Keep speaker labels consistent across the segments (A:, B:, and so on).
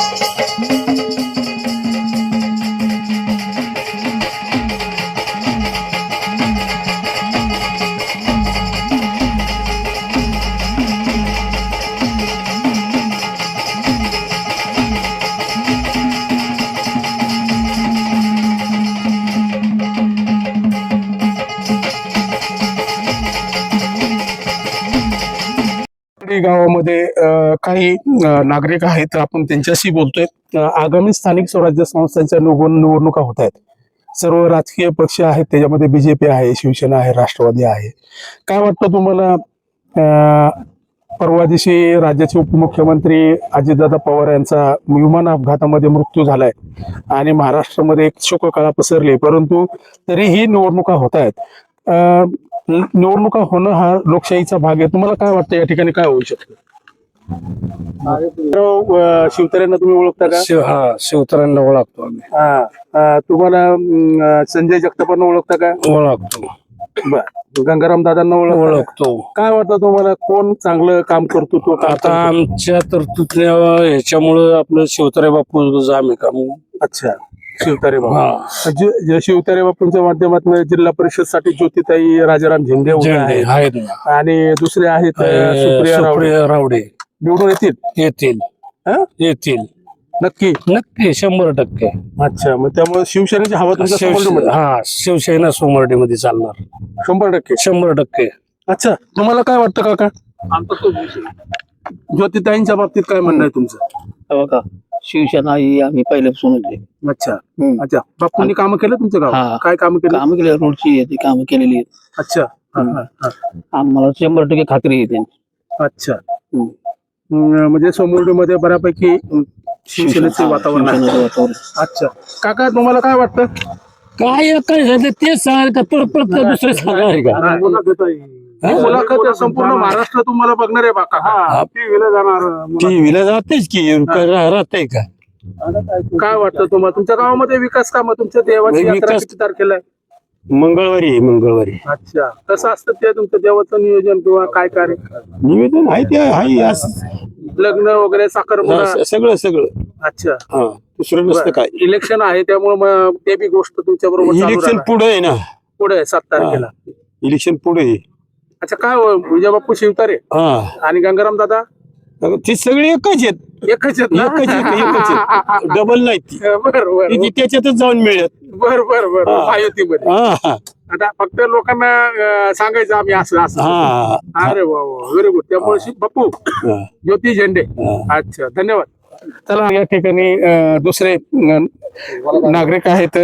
A: गावामध्ये काही नागरिक आहेत, आपण त्यांच्याशी बोलतोय. आगामी स्थानिक स्वराज्य संस्थांच्या निवडणुका होत आहेत. सर्व राजकीय पक्ष आहेत, त्याच्यामध्ये बीजेपी आहे, शिवसेना आहे, राष्ट्रवादी आहे. काय वाटतं तुम्हाला? परवा दिवशी राज्याचे उपमुख्यमंत्री अजितदादा पवार यांचा विमान अपघातामध्ये मृत्यू झालाय आणि महाराष्ट्रामध्ये एक शोककळा पसरली, परंतु तरीही निवडणुका होत आहेत. निवडणुका होणं हा लोकशाहीचा भाग आहे. तुम्हाला काय वाटतं या ठिकाणी काय होऊ शकतं? शिवतारेंना तुम्ही ओळखता का?
B: हा, शिवतारेंना ओळखतो आम्ही.
A: तुम्हाला संजय जगतापांना ओळखता का?
B: ओळखतो.
A: बर, गंगाराम दादांना
B: ओळखतो.
A: काय वाटतं तुम्हाला, कोण चांगलं काम करतो? तो
B: आता आमच्या तरतुदीच्या ह्याच्यामुळं आपलं शिवतारे बापू आम्ही काम.
A: अच्छा, शिवतारे बापू. शिवतारे बापूंच्या माध्यमातून जिल्हा परिषद साठी ज्योतिताई राजाराम झेंडे
B: आहेत
A: आणि दुसरे आहेत
B: सुप्रिया रावडे.
A: निवडून
B: येतील.
A: नक्की?
B: नक्की 100%.
A: अच्छा, मग त्यामुळे शिवसेनेची हवा तुमच्या?
B: हा, शिवसेना सोमवारमध्ये चालणार
A: 100%.
B: 100%.
A: अच्छा, तुम्हाला काय वाटतं काका? ज्योतिताईंच्या बाबतीत काय म्हणणं आहे तुमचं?
C: बघा, शिवसेना ही आम्ही पहिल्यापासूनच आहे.
A: अच्छा अच्छा. बापूंनी कामं केलं तुमचं गाव? काय कामं केलं?
C: कामं केली, रोडची आहे ती कामं केलेली आहेत.
A: अच्छा.
C: आम्हाला 100% खात्री आहे त्यांची.
A: अच्छा. म्हणजे सोमवर्डीमध्ये बऱ्यापैकी शिवसेनेचे वातावरण आहे. अच्छा काका, तुम्हाला काय वाटतं?
B: काय झालं तेच सांगाल का? दुसरे सांगाल का?
A: मुलाखत संपूर्ण महाराष्ट्र तुम्हाला बघणार आहे बा. टीव्हीला जाणार,
B: टीव्हीला जातेच की, राहते का?
A: काय वाटतं तुम्हाला? तुमच्या गावामध्ये विकास काम, तुमच्या देवाची यात्रा किती तारखेला आहे?
B: मंगळवारी.
A: अच्छा, कसं असतं ते तुमचं देवाचं नियोजन किंवा काय कार्य?
B: निवेदन आहे ते आहे,
A: लग्न वगैरे, साखरपुडा,
B: सगळं.
A: अच्छा.
B: दुसरं नसतं काय.
A: इलेक्शन आहे त्यामुळे मग ते बी गोष्ट तुमच्या बरोबर
B: इलेक्शन पुढे आहे ना.
A: पुढे 7 तारखेला
B: इलेक्शन पुढे.
A: अच्छा, काय विजय बाप्पू शिवतारे आणि गंगाराम दादा
B: ती सगळी एकच आहेत.
A: एकच आहेत.
B: डबल नाही ती.
A: बरोबर,
B: त्याच्यातच जाऊन मिळत.
A: बरोबर. महायुतीमध्ये आता फक्त लोकांना सांगायचं आम्ही असं. अरे वा, व्हेरी गुड. त्यामुळे बाप्पू ज्योती झेंडे. अच्छा, धन्यवाद. चला, या ठिकाणी दुसरे नागरिक आहेत.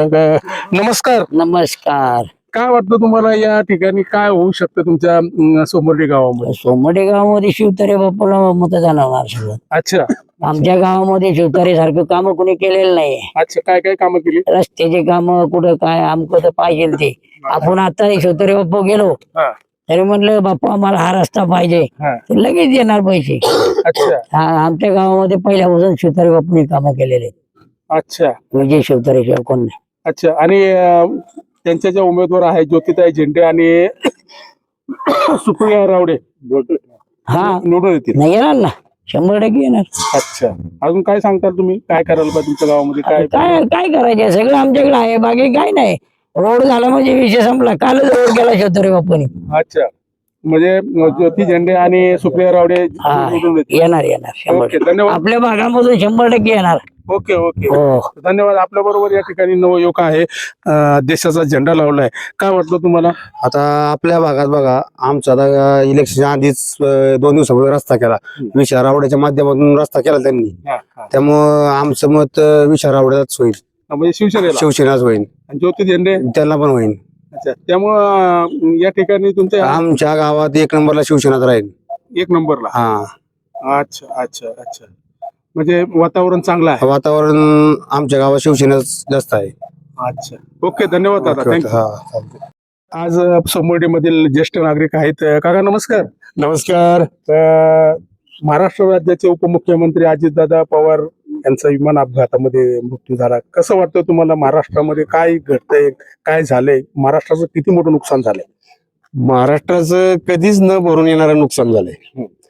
A: नमस्कार. काय वाटतं तुम्हाला, या ठिकाणी काय होऊ शकतं तुमच्या सोमवर्डी गावामध्ये?
D: सोमवर्डी गावामध्ये शिवतारे बापूला मतदान होणार सगळं.
A: अच्छा.
D: आमच्या गावामध्ये शिवतारे सारखं काम कोणी केलेलं नाही.
A: अच्छा, काय कामं केली?
D: रस्त्याचे काम कुठं काय आमचं तर पाहिजे ते. आपण आता शिवतारे बापू गेलो तरी म्हणलं बापू आम्हाला हा रस्ता पाहिजे, लगेच येणार पैसे.
A: अच्छा.
D: आमच्या गावामध्ये पहिल्यापासून शिवतारे बापूंनी कामं केलेले.
A: अच्छा.
D: म्हणजे शिवतारे शिवाय कोण नाही.
A: अच्छा. आणि त्यांच्या ज्या उमेदवार आहेत ज्योतिताई झेंडे आणि सुप्रिया रावडे निवडून येतील?
D: नाही येणार ना, 100% येणार.
A: अच्छा. अजून काय सांगताल तुम्ही? काय करायला पाहिजे तुमच्या गावामध्ये?
D: काय करायचं सगळं आमच्याकडे आहे, बाकी काय नाही. रोड झाला म्हणजे विषय संपला. कालच रोड केला शिवतारे बापूंनी.
A: अच्छा, म्हणजे ज्योती झेंडे आणि सुप्रिया रावडे
D: येणार.
A: ओके, धन्यवाद.
D: आपल्या भागामधून 100% येणार.
A: ओके. धन्यवाद. आपल्या बरोबर या ठिकाणी नवयुवक आहे, देशाचा झेंडा लावलाय. काय वाटतं तुम्हाला?
E: आता आपल्या भागात बघा, आमचा आता इलेक्शन आधीच 2 दिवसापूर्वी रस्ता केला. विशाल रावड्याच्या माध्यमातून रस्ता केला त्यांनी. त्यामुळं आमचं मत विशाल रावड्याच होईल.
A: म्हणजे
E: शिवसेनाच होईल.
A: ज्योती झेंडे
E: त्यांना पण होईल.
A: अच्छा. त्यामुळं या ठिकाणी तुमच्या
E: आमच्या गावात 1 नंबरला शिवसेनाच राहील.
A: 1 नंबरला?
E: हा.
A: अच्छा. म्हणजे वातावरण चांगलं आहे.
E: वातावरण आमच्या गावात शिवसेनाच जास्त आहे.
A: अच्छा. ओके, धन्यवाद दादा. थँक्यू. आज सोमवर्डी मधील ज्येष्ठ नागरिक आहेत. काका नमस्कार. महाराष्ट्र राज्याचे उपमुख्यमंत्री अजितदादा पवार यांचा विमान अपघातामध्ये मृत्यू झाला. कसं वाटतं तुम्हाला? महाराष्ट्रामध्ये काय घडतंय, काय झालंय? महाराष्ट्राचं किती मोठं नुकसान झालंय?
E: महाराष्ट्राचं कधीच न भरून येणारं नुकसान झालंय.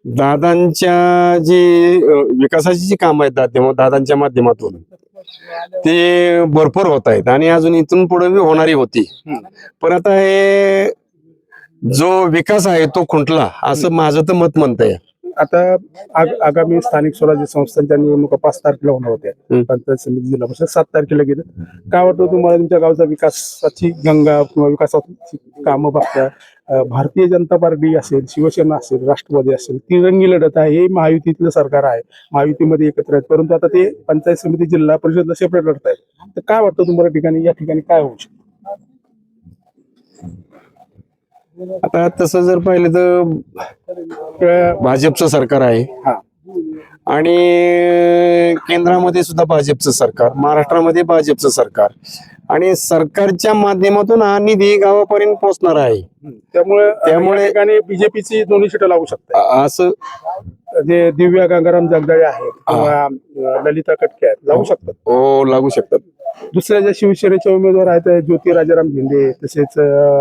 E: दादांच्या जी विकासाची जी कामं आहेत दादांच्या माध्यमातून ते भरपूर होत आहेत आणि अजून इथून पुढे बी होणारी होती. पण आता हे जो विकास आहे तो खुंटला असं माझं तर मत म्हणतंय.
A: आता आगामी स्थानिक स्वराज्य संस्थांच्या निवडणुका 5 तारखेला होणार होत्या. पंचायत समिती जिल्हा परिषद 7 तारखेला गेलं. काय वाटतं तुम्हाला तुमच्या गावचा विकासाची गंगा किंवा विकासाची कामं बघता? भारतीय जनता पार्टी असेल, शिवसेना असेल, राष्ट्रवादी असेल, तिरंगी लढत आहे. हे महायुतीतलं सरकार आहे, महायुतीमध्ये एकत्र आहेत, परंतु आता ते पंचायत समिती जिल्हा परिषदला सेपरेट लढत आहेत. तर काय वाटतं तुम्हाला या ठिकाणी काय होऊ शकतं?
E: आता तसं जर पाहिलं तर भाजपचं सरकार आहे आणि केंद्रामध्ये सुद्धा भाजपचं सरकार, महाराष्ट्रामध्ये भाजपचं सरकार आणि सरकारच्या माध्यमातून हा निधी गावापर्यंत पोहोचणार आहे.
A: त्यामुळे ठिकाणी बीजेपीची दोन्ही सीटं लागू शकतात.
E: असं
A: जे दिव्या गंगाराम जगदाळे आहेत किंवा ललिता कटके आहेत, लागू शकतात.
E: हो, लागू शकतात.
A: दुसऱ्या ज्या शिवसेनेचे उमेदवार आहेत ज्योती राजाराम झेंडे, तसेच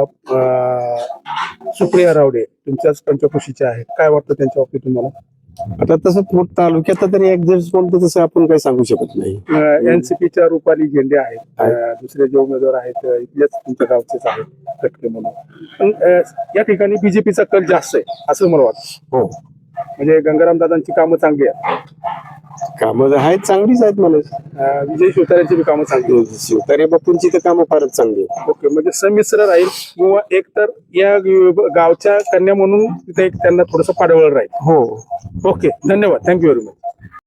A: सुप्रिया रावडे तुमच्याच पंचकृषीचे आहेत, काय वाटतं त्यांच्या बाबतीत तुम्हाला?
E: आता तसं तालुक्यात तरी ऍडजस्ट कोणतं तसं आपण काही सांगू शकत नाही.
A: एनसीपीच्या रुपाली झेंडे आहेत, दुसरे जे उमेदवार आहेत इथलेच तुमच्या गावचेच आहेत कटके म्हणून. पण या ठिकाणी बीजेपीचा कल जास्त आहे असं मला वाटतं.
E: हो,
A: म्हणजे गंगाराम दादांची कामं चांगली आहेत,
E: कामं आहेत, चांगलीच आहेत मला.
A: विजय शिवतारेंची बी कामं चांगली आहेत.
E: शिवतारे बापूंची तर कामं फारच चांगली आहेत.
A: ओके, म्हणजे संमिश्र राहील किंवा एक तर या गावच्या कन्या म्हणून तिथे एक त्यांना थोडंसं पाडवळ राहील.
E: हो,
A: ओके, धन्यवाद, थँक्यू व्हेरी मच.